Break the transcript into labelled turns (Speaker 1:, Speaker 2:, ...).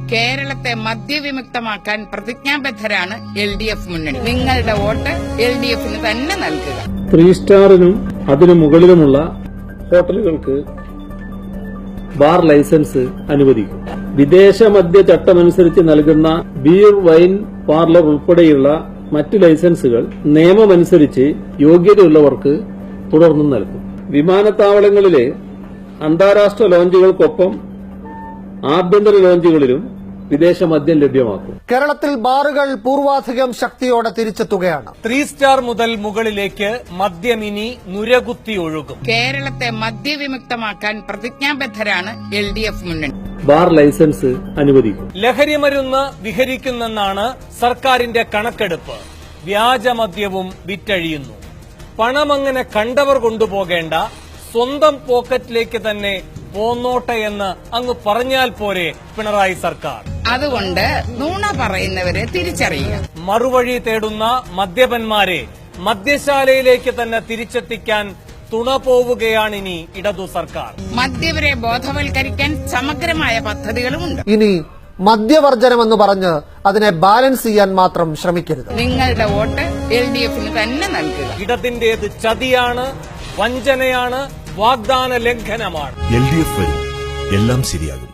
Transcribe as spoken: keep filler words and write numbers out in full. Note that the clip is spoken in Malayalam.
Speaker 1: കേരളത്തെ മദ്യവിമുക്തമാക്കാൻ പ്രതിജ്ഞാബദ്ധരാണ് എൽ ഡി എഫ് മുന്നണി. നിങ്ങളുടെ വോട്ട് എൽ ഡി എഫിന് തന്നെ നൽകുക.
Speaker 2: ത്രീ സ്റ്റാറിനും അതിനു മുകളിലുമുള്ള ഹോട്ടലുകൾക്ക് ബാർ ലൈസൻസ് അനുവദിക്കും. വിദേശ മദ്യ ചട്ടമനുസരിച്ച് നൽകുന്ന ബീർ, വൈൻ പാർലർ ഉൾപ്പെടെയുള്ള മറ്റ് ലൈസൻസുകൾ നിയമമനുസരിച്ച് യോഗ്യതയുള്ളവർക്ക് തുടർന്നും നൽകും. വിമാനത്താവളങ്ങളിലെ അന്താരാഷ്ട്ര ലോഞ്ചുകൾക്കൊപ്പം ആഭ്യന്തര ലോഞ്ചുകളിലും വിദേശ മദ്യം ലഭ്യമാക്കും.
Speaker 3: കേരളത്തിൽ ബാറുകൾ പൂർവാധികം ശക്തിയോടെ തിരിച്ചെത്തുകയാണ്.
Speaker 4: ത്രീ സ്റ്റാർ മുതൽ മുകളിലേക്ക് മദ്യമിനി നുരകുത്തി ഒഴുകും.
Speaker 1: കേരളത്തെ മദ്യവിമുക്തമാക്കാൻ പ്രതിജ്ഞാബദ്ധരാണ് എൽ ഡി എഫ് മുന്നണി.
Speaker 2: ബാർ ലൈസൻസ് അനുവദിക്കും.
Speaker 4: ലഹരിമരുന്ന് വിഹരിക്കുന്നെന്നാണ് സർക്കാരിന്റെ കണക്കെടുപ്പ്. വ്യാജമദ്യവും വിറ്റഴിയുന്നു. പണമങ്ങനെ കണ്ടവർ കൊണ്ടുപോകേണ്ട, സ്വന്തം പോക്കറ്റിലേക്ക് തന്നെ പോന്നോട്ടെ എന്ന് അങ്ങ് പറഞ്ഞാൽ പോരെ പിണറായി സർക്കാർ.
Speaker 1: അതുകൊണ്ട് നുണ പറയുന്നവരെ തിരിച്ചറിയുക.
Speaker 4: മറുവഴി തേടുന്ന മദ്യപന്മാരെ മദ്യശാലയിലേക്ക് തന്നെ തിരിച്ചെത്തിക്കാൻ തുണ പോവുകയാണിനി ഇടതു സർക്കാർ.
Speaker 1: മദ്യവരെ ബോധവൽക്കരിക്കാൻ സമഗ്രമായ പദ്ധതികളുമുണ്ട്.
Speaker 3: ഇനി മദ്യവർജനമെന്ന് പറഞ്ഞ് അതിനെ ബാലൻസ് ചെയ്യാൻ മാത്രം ശ്രമിക്കരുത്.
Speaker 1: നിങ്ങളുടെ വോട്ട് എൽ ഡി എഫിന് തന്നെ നൽകുക.
Speaker 4: ഇടതിന്റേത് ചതിയാണ്, വഞ്ചനയാണ്, വാഗ്ദാന ലംഘനമാണ്.
Speaker 5: എൽ ഡി എഫ് വരും, എല്ലാം ശരിയാകും.